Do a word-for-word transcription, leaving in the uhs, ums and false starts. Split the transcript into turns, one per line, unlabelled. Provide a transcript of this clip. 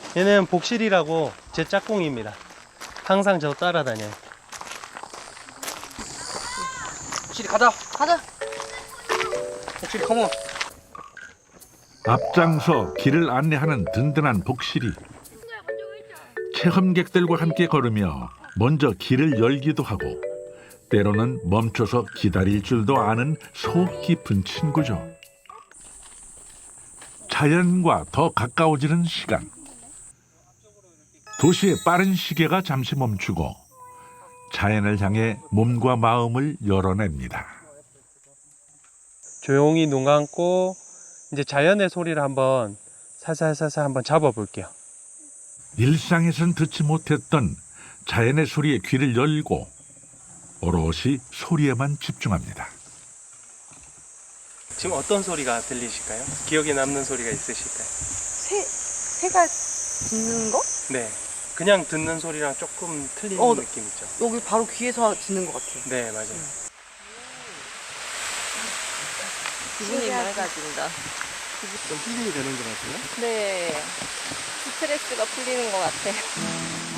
얘는 복실이라고 제 짝꿍입니다. 항상 저 따라다녀요.
복실이 가자.
가자.
복실이 컴온.
앞장서 길을 안내하는 든든한 복실이 체험객들과 함께 걸으며 먼저 길을 열기도 하고 때로는 멈춰서 기다릴 줄도 아는 속 깊은 친구죠. 자연과 더 가까워지는 시간. 도시의 빠른 시계가 잠시 멈추고 자연을 향해 몸과 마음을 열어냅니다.
조용히 눈 감고 이제 자연의 소리를 한번 살살살살 한번 잡아볼게요.
일상에선 듣지 못했던 자연의 소리에 귀를 열고 오롯이 소리에만 집중합니다.
지금 어떤 소리가 들리실까요? 기억에 남는 소리가 있으실까요?
새, 새가 짖는 거?
네. 그냥 듣는 소리랑 조금 틀린
어,
느낌 있죠?
여기 바로 귀에서 짖는 것 같아.
네, 맞아요.
기분이 맑아진다.
좀 힐링이 되는 것 같아요.
네. 스트레스가 풀리는 것 같아.